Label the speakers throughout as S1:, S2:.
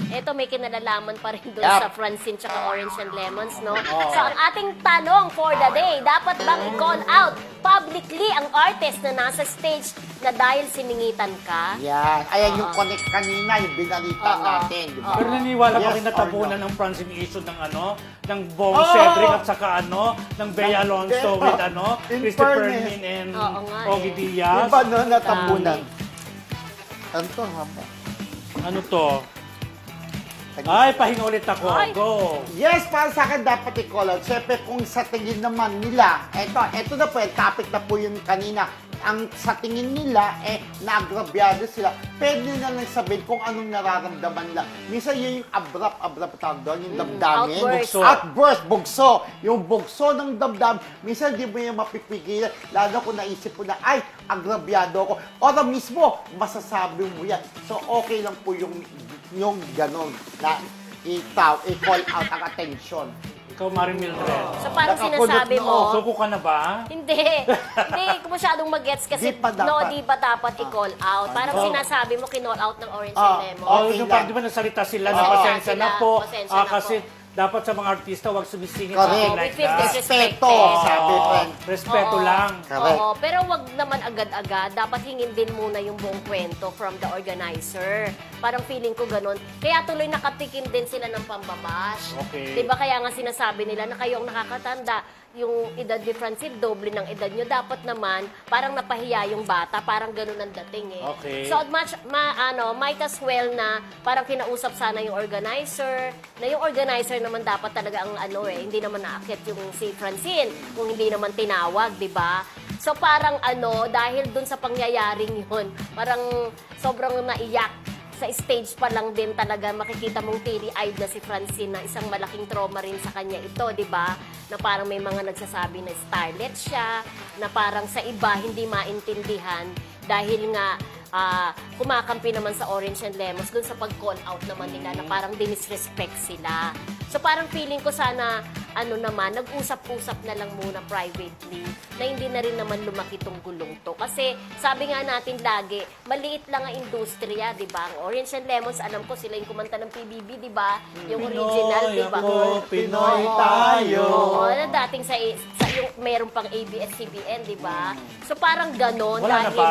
S1: Ito may kinalalaman pa rin doon sa Francine tsaka Orange and Lemons, no? So, ang ating tanong for the day, dapat bang i-call out publicly ang artist na nasa stage na dahil siningitan ka?
S2: Yan. Ayan yung connect kanina, yung binalita natin. Di ba?
S3: Pero naniwala pa
S2: Yes
S3: kayo
S2: or
S3: natabunan
S2: no?
S3: ng Francine issue ng ng Bong Cedric at saka ng Bea Alonso with
S2: In
S3: Christopher
S2: fairness.
S3: Min and
S1: Oo nga
S3: Ogie
S1: eh.
S3: Diaz.
S2: Di ba no, natabunan? Ano to, haba?
S3: Ano to? Ay, pahinga ulit ako.
S1: Ay.
S3: Go!
S2: Yes, para sa akin dapat i-call out. Siyempre, kung sa tingin naman nila, eto na po, topic na po yun kanina, ang sa tingin nila, naagrabyado sila, pwede na lang sabihin kung anong nararamdaman lang. Minsan yun yung abrupt tawag doon, yung damdamin.
S1: Outburst.
S2: Outburst, bugso. Yung bugso ng damdamin, minsan di mo yung mapipigilan, lalo kung naisip mo na, ay, agrabyado ako. O na mismo, masasabi mo yan. So, okay lang po yung ganon na i-call out ang attention.
S3: Ikaw, Maring Mildred.
S1: So, parang
S2: Nakakulot
S1: sinasabi
S2: na,
S1: mo,
S3: Suko ka na ba?
S1: hindi ko masyadong mag-gets kasi
S2: Di pa dapat.
S1: di ba dapat i-call out? Parang
S3: Oh.
S1: sinasabi mo, kinall out ng Orange and Lemons.
S3: Oh,
S2: Okay
S3: yung
S2: lang.
S3: parang di ba nasalita sila na
S1: Oo.
S3: pasensya na po.
S1: Pasensya na
S3: Kasi
S1: po.
S3: dapat sa mga artista, wag sumisingit
S2: Correct.
S3: something like
S1: We feel
S3: that.
S1: disrespected.
S2: Respeto, sabi
S3: Oo.
S2: friend.
S3: Respeto
S1: Oo.
S3: lang.
S2: Correct.
S1: Oo, pero wag naman agad-agad. Dapat hingin din muna yung buong kwento from the organizer. Parang feeling ko ganun. Kaya tuloy nakatikim din sila ng pambabash.
S3: Okay.
S1: Diba kaya nga sinasabi nila na kayo ang nakakatanda, yung edad ni Francine, doble ng edad nyo. Dapat naman, parang napahiya yung bata. Parang ganun ang dating eh.
S3: Okay.
S1: So, might as well na parang kinausap sana yung organizer, na yung organizer naman dapat talaga ang hindi naman naakit yung si Francine, kung hindi naman tinawag, di ba? So, parang dahil dun sa pangyayaring yun, parang sobrang naiyak sa stage pa lang din talaga makikita mong teary-eyed na si Francine na isang malaking trauma rin sa kanya ito, di ba? Na parang may mga nagsasabi na starlet siya, na parang sa iba hindi maintindihan dahil nga kumakampi naman sa Orange and Lemons dun sa pag-call out naman nila na parang dinisrespect sila. So parang feeling ko sana nag-usap-usap na lang muna privately na hindi na rin naman lumaki tong gulong to. Kasi sabi nga natin lagi, maliit lang ang industriya, di ba? Ang Orange and Lemons, alam ko sila yung kumanta ng PBB, di ba? Yung original, di ba?
S3: Pinoy tayo.
S1: Oo, na dating sa yung meron pang ABS-CBN, di ba? So parang ganon.
S3: Wala na
S1: dahil,
S3: ba?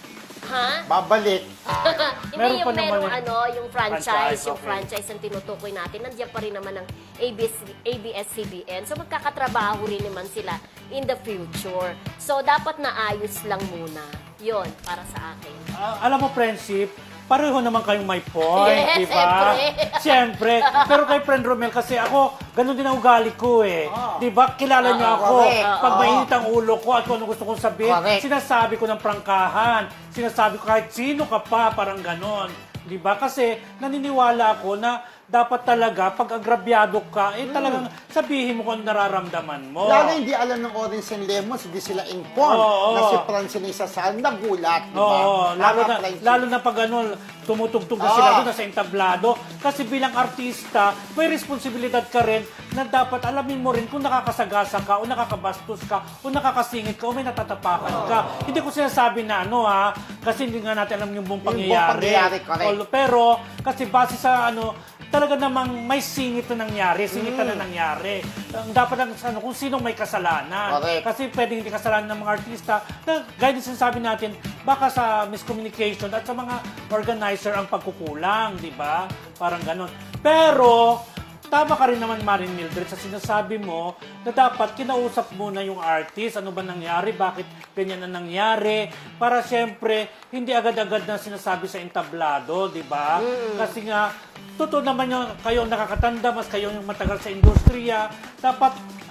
S1: Ha?
S2: Babalik.
S1: Hindi
S3: Meron
S1: yung
S3: pa naman
S1: yung franchise, yung
S3: okay.
S1: franchise ang tinutukoy natin. Nandiyan pa rin naman ang ABS-CBN. So magkakatrabaho rin naman sila in the future. So dapat naayos lang muna. Yon para sa akin.
S3: Alam mo, friendship, pareho naman kayong may point,
S1: Yes,
S3: di ba?
S1: siyempre.
S3: Siyempre. Pero kay Friend Romel, kasi ako, ganun din ang ugali ko eh. Di ba? Kilala niyo ako.
S2: correct.
S3: Pag mainit ang ulo ko at kung ano gusto kong sabihin,
S2: Correct.
S3: sinasabi ko ng prangkahan. Sinasabi ko kahit sino ka pa, parang ganon. Di ba? Kasi naniniwala ako na dapat talaga, pag agrabyado ka, talagang sabihin mo kung ano nararamdaman mo.
S2: Lalo hindi alam ng Orange and Lemons, hindi sila informed
S3: Oo.
S2: na si Francine Isasal nagulat, di ba?
S3: Oo, lalo
S2: Tama,
S3: na,
S2: Francine.
S3: lalo na pag tumutugtog na sila doon, nasa entablado. Kasi bilang artista, may responsibilidad ka rin na dapat alamin mo rin kung nakakasagasa ka, o nakakabastos ka, o nakakasingit ka, o may natatapakan ka. Hindi ko sinasabi na kasi hindi nga natin alam yung buong
S2: Yung buong
S3: pangyayari.
S2: pangyayari, correct.
S3: Pero, kasi base sa talaga namang may singit na nangyari, singitan na nangyari. Dapat lang kung sinong may kasalanan.
S2: Correct.
S3: Kasi pwedeng hindi kasalanan ng mga artista na gaya din sinasabi natin, baka sa miscommunication at sa mga organizer ang pagkukulang, di ba? Parang ganon. Pero, tama ka rin naman, Maring Mildred, sa sinasabi mo na dapat kinausap muna yung artist, ano ba nangyari, bakit ganyan na nangyari, para syempre, hindi agad-agad na sinasabi sa entablado, di ba? Kasi nga, totoo naman yung kayo ang nakakatanda, mas kayo yung matagal sa industriya, dapat,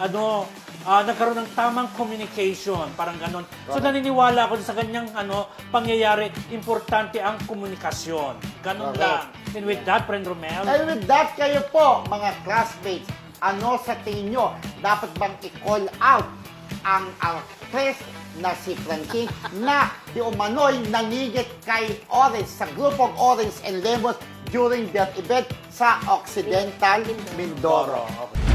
S3: nagkaroon ng tamang communication, parang ganon. So naniniwala ako sa ganyang pangyayari, importante ang komunikasyon. Ganon
S2: Correct.
S3: lang. And with that, Friend Romel,
S2: And with that, kayo po, mga classmates, ano sa tingin nyo, dapat bang i-call out ang actress na si Francine na di umano'y nanigit kay Orange sa grupong Orange and Lemons during their event sa Occidental Mindoro?
S3: Okay.